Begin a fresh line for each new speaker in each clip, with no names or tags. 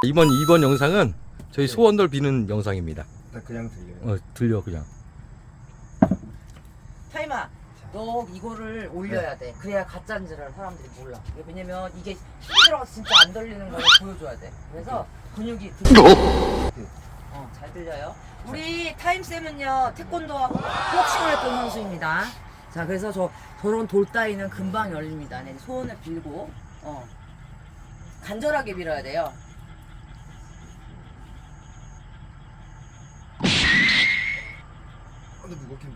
이번 영상은 저희 소원들 비는 영상입니다.
나 그냥 들려요.
들려 그냥.
타이마, 너 이거를 올려야 돼. 그래야 가짜인지를 사람들이 몰라. 왜냐면 이게 힘이 들어가서 진짜 안 들리는 걸 보여줘야 돼. 그래서 근육이 잘 들려요. 우리 타임쌤은요 태권도하고 복싱을 했던 선수입니다. 자, 그래서 저런 돌 따위는 금방 열립니다. 네, 소원을 빌고 간절하게 빌어야 돼요.
근데 무겁긴.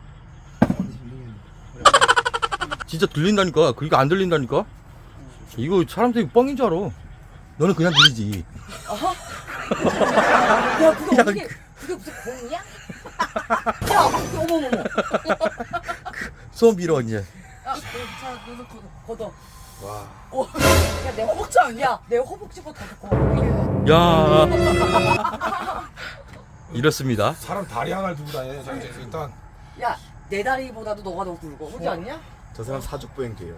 진짜 들린다니까. 그러니까 안 들린다니까. 이거 사람들이 뻥인 줄 알아. 너는 그냥 들리지.
야, 그게 어떻게 그게 무슨 공이야? 야, 어머머머.
소원 빌어 이제.
자, 너도 걷어.
와.
야, 내 허벅지 아니야? 내 허벅지보다 더 걷어.
야. 이렇습니다.
사람 다리 하나를 두고 다녀. 자, 이제 일단
야, 내 다리보다도 너가 더 굵어. 그렇지 않냐?
저 사람 사족보행 돼요.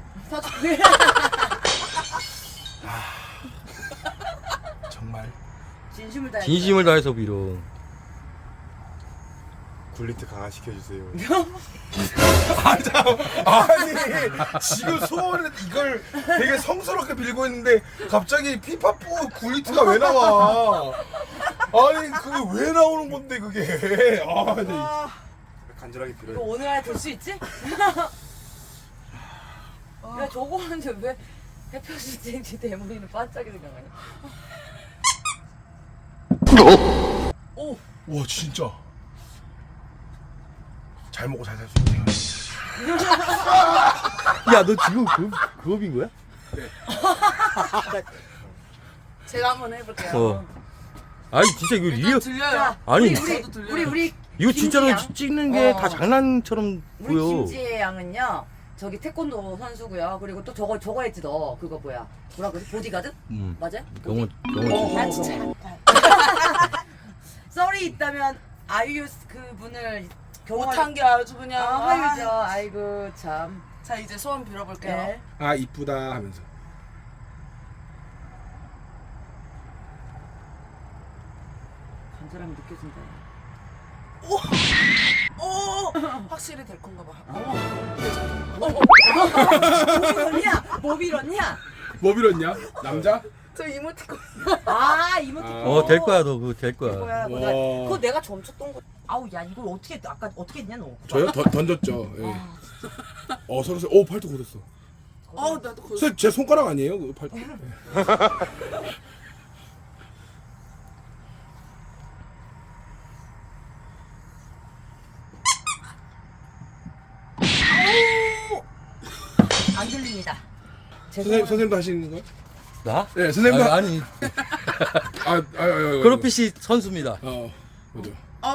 정말
진심을 다해.
진심을 다해서 빌어.
굴리트 강화시켜 주세요. 아니 지금 소원을 이걸 되게 성스럽게 빌고 있는데 갑자기 피파포 굴리트가 왜 나와? 아니 그게 왜 나오는 건데 그게? 간절하게
너
빌어요.
오늘 안에 될 수 있지? 야, 저거 하는데 왜 햇볕이 쨍지 대머리는 반짝이 생각하냐? 오!
와 진짜 잘 먹고 잘 살 수 있네요.
야, 너 지금 그거 빈 거야?
제가 한번 해볼게요.
아니 진짜 이거 리얼.
들려요.
아니
우리
이거 진짜로
김지혜
찍는 게 다 장난처럼
우리
보여.
김지혜 양은요, 저기 태권도 선수고요. 그리고 또 저거 했지 너. 그거 뭐야? 뭐라 그러지? 보디가드? 맞아요?
경호.
아 진짜. 썰이 있다면 아이유 그분을
못한 게 아주 그냥.
아이유죠. 아이고 참.
자, 이제 소원 빌어볼게요.
네.
아 이쁘다 하면서.
간절함이 느껴진다.
오! 확실히 될 건가 봐.
뭐 빌었냐? 뭐 빌었냐?
뭐 빌었냐? 남자?
저 이모티콘.
아 이모티콘.
될 거야 너 그거 될 거야.
거야.
와.
그거 내가 멈췄던 거. 아우 야 이걸 아까 어떻게 했냐 너?
저요? 던졌죠. 예. 서로 오 팔뚝 굳었어.
나도 그.
선생님 제 손가락 아니에요? 그 팔뚝.
안 들립니다.
선생님도 하시는 거예요?
나?
네, 선생님도.
아니 크로핏이 선수입니다.
맞아.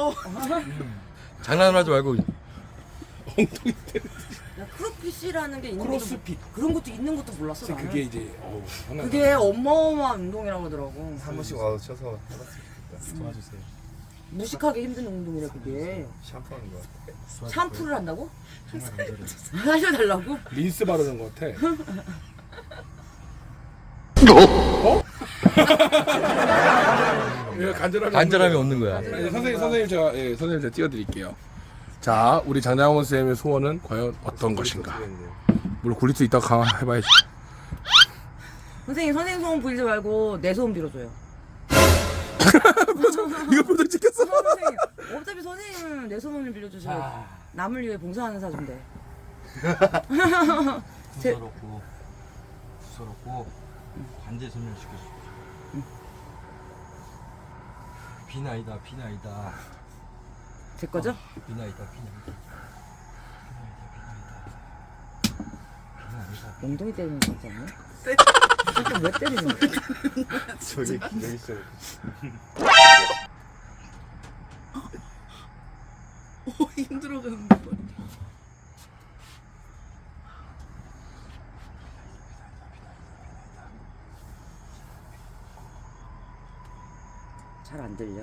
장난하지 말고.
엉덩이 때려.
야, 크로핏이라는 게 있는
크로스핏.
것도 그런 것도 있는 것도 몰랐어 나는.
그게 이제 하나.
그게 어마어마한 운동이라고 하더라고.
한 번씩 와서 쳐서 해봤으면 좋겠다. 도와주세요.
무식하게 힘든 운동이라 그게.
샴푸하는 거 같아.
샴푸를 한다고? 하셔달라고?
린스 바르는 것 같아. 예,
간절함이 없는 거야.
네, 선생님 제가 띄워드릴게요. 자, 우리 장장원 쌤의 소원은 과연 어떤 것인가? 물론 굴릴 수 있다고 강화해봐야지.
선생님 소원 빌지 말고 내 소원 빌어줘요.
이거 표정 찍혔어.
선생님, 어차피 선생님은 내 소원을 빌려주셔야 남을 위해 봉사하는 사준데.
부서럽고 관제 소멸시켜주고. 비나이다.
제 거죠?
비나이다.
엉덩이 때리는 거 같지 않나? 진짜 왜 때리는 거야?
저기 여기 있어요.
힘들어가는데.
잘 안 들려.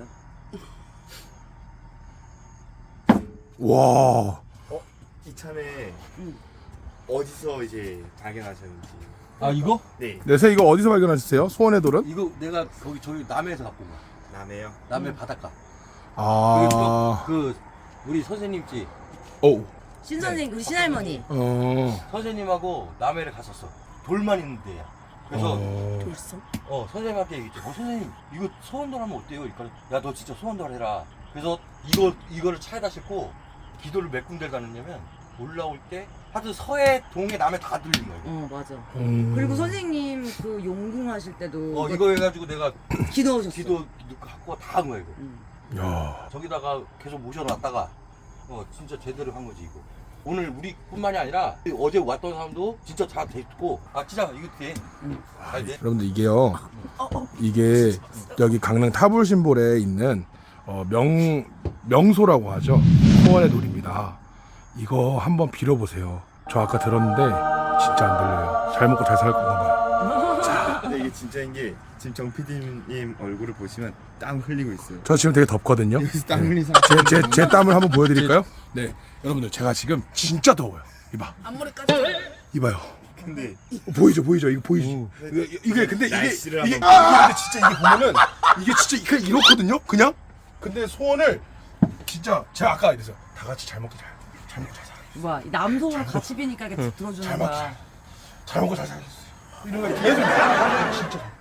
와.
이참에
응.
어디서 이제 발견하셨는지.
아 이거?
네.
네, 선생님 이거 어디서 발견하셨어요? 소원의 돌은?
이거 내가 거기 저기 남해에서 갖고 온 거야.
남해요.
남해 바닷가.
아,
그 우리 선생님 집
오,
신선생 우리 신할머니.
선생님하고 남해를 갔었어. 돌만 있는 데야. 그래서
돌성?
선생님한테 얘기했지. 선생님 이거 소원돌 하면 어때요? 그러니까 야 너 진짜 소원돌 해라. 그래서 이거를 차에다 싣고 기도를 몇 군데를 갔느냐면 올라올 때 하여튼 서해 동해 남해 다 들린 거야. 이거.
맞아. 그리고 선생님 그 용궁 하실 때도
이거 해가지고 내가
기도하셨어.
기도 갖고 다 한 거야 이거.
야,
저기다가 계속 모셔놨다가 진짜 제대로 한 거지 이거. 오늘 우리뿐만이 아니라 어제 왔던 사람도 진짜 다 됐고 진짜 이거 돼. 잘 돼.
여러분들 이게요, 이게 여기 강릉 타불신볼에 있는 명소라고 하죠. 소원의 돌입니다. 이거 한번 빌어보세요. 저 아까 들었는데 진짜 안 들려요. 잘 먹고 잘 살 건가 봐요.
근데 이게 진짜인 게 지금 정 PD님 얼굴을 보시면 땀 흘리고 있어요.
저 지금 되게 덥거든요.
여기서 땀 흘린 상태.
제 땀을 한번 보여드릴까요? 네, 여러분들 제가 지금 진짜 더워요. 이봐,
앞머리까지.
이봐요.
근데
보이죠? 이거 보이지? 이게 근데 이게
날씨를
이게
한번
근데 진짜 이게 보면은 이게 진짜 그냥 이렇거든요. 그냥. 근데 소원을 진짜 제가 아까 이랬어요. 다 같이 잘 먹고 잘 먹고 잘 살아.
와, 이 남성을 같이 비니까 이렇게 들어주는
잘 먹고
거야.
잘 먹고 잘 살겠어요. 이런 거 계속 진짜.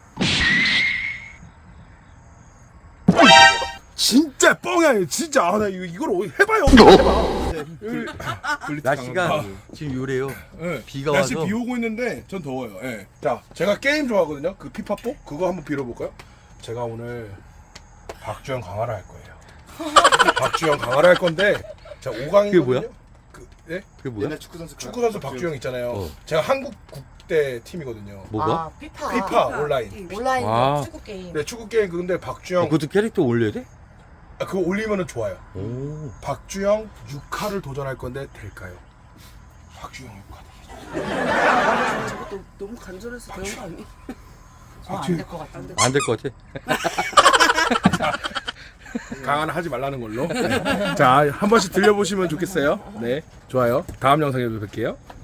진짜 뻥이야. 진짜 나 이걸 해봐요. 해봐.
날씨가 지금 요래요.
네.
비가
날씨
와서.
비 오고 있는데 전 더워요. 예. 자, 제가 게임 좋아하거든요. 그 피파뽀 그거 한번 빌어볼까요? 제가 오늘 박주영 강화를 할 거예요. 박주영 강화를 할 건데 제가 5강이거든요.
그게 뭐야?
예?
그게 뭐야?
옛날 축구 선수
박주영 있잖아요. 제가 한국 국대 팀이거든요.
뭐가?
피파 온라인.
온라인
아.
축구 게임.
네, 축구 게임 근데 박주영
그것도 캐릭터 올려야 돼?
그거 올리면은 좋아요.
오.
박주영 6화를 도전할 건데 될까요? 박주영 6화.
저것도 너무 간절해서 되는 거 아니?
안될 것 같은데.
안 될 것 같아.
강화는 하지 말라는 걸로. 네. 자, 한 번씩 들려보시면 좋겠어요. 네, 좋아요. 다음 영상에서 뵐게요.